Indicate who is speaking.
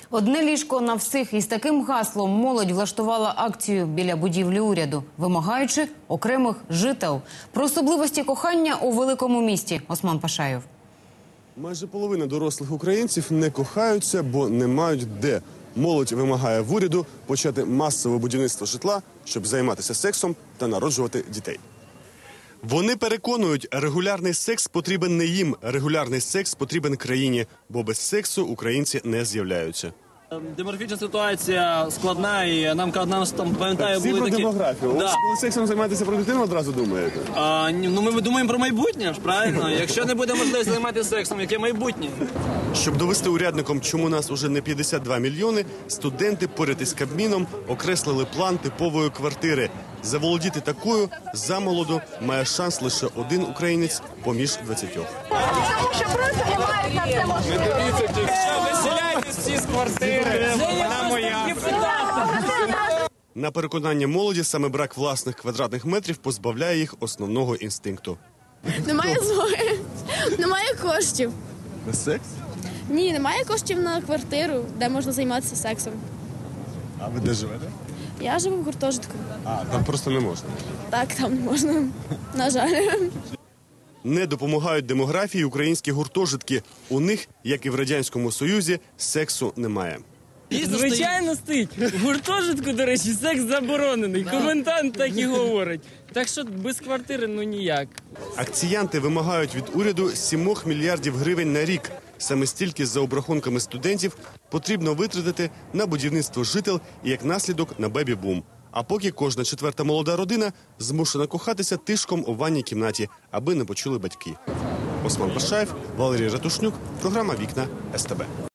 Speaker 1: Одне ліжко на всіх. Із таким гаслом молодь влаштувала акцію біля будівлі уряду, вимагаючи окремих жител. Про особливості кохання у великому місті. Осман Пашаєв.
Speaker 2: Майже половина дорослих українців не кохаються, бо не мають де. Молодь вимагає в уряду почати масове будівництво житла, щоб займатися сексом та народжувати дітей. Вони переконують, регулярний секс потрібен не їм, регулярний секс потрібен країні, бо без сексу українці не з'являються.
Speaker 3: Демографічна ситуація складна, і нам там, пам'ятаю,
Speaker 2: Всі
Speaker 3: були
Speaker 2: про
Speaker 3: такі...
Speaker 2: демографію.
Speaker 3: Да.
Speaker 2: Коли сексом займаєтеся про дитину, одразу думаєте?
Speaker 3: Ми думаємо про майбутнє, ж, правильно? Якщо не буде можливості займатися сексом, яке майбутнє?
Speaker 2: Щоб довести урядникам, чому нас уже не 52 мільйони, студенти поряд із Кабміном окреслили план типової квартири. Заволодіти такою замолоду має шанс лише один українець поміж 20.
Speaker 4: Тому що просто немає на це можливості.
Speaker 3: Виселяйтесь всі з квартири, вона моя.
Speaker 2: На переконання молоді, саме брак власних квадратних метрів позбавляє їх основного інстинкту.
Speaker 5: Немає змоги, немає коштів.
Speaker 2: На секс?
Speaker 5: Ні, немає коштів на квартиру, де можна займатися сексом.
Speaker 2: А ви де живете?
Speaker 5: Я живу в гуртожитку.
Speaker 2: А, там просто не можна.
Speaker 5: Так, там не можна. На жаль.
Speaker 2: Не допомагають демографії українські гуртожитки. У них, як і в Радянському Союзі, сексу немає.
Speaker 6: Звичайно, стоїть. В гуртожитку, до речі, секс заборонений. Комендант так і говорить. Так що без квартири, ну ніяк.
Speaker 2: Акціянти вимагають від уряду 7 мільярдів гривень на рік. Саме стільки, за обрахунками студентів, потрібно витратити на будівництво жител і, як наслідок, на бебі-бум. А поки кожна четверта молода родина змушена кохатися тишком у ванній кімнаті, аби не почули батьки. Осман Пашаєв, Валерій Ратушнюк, програма «Вікна СТБ».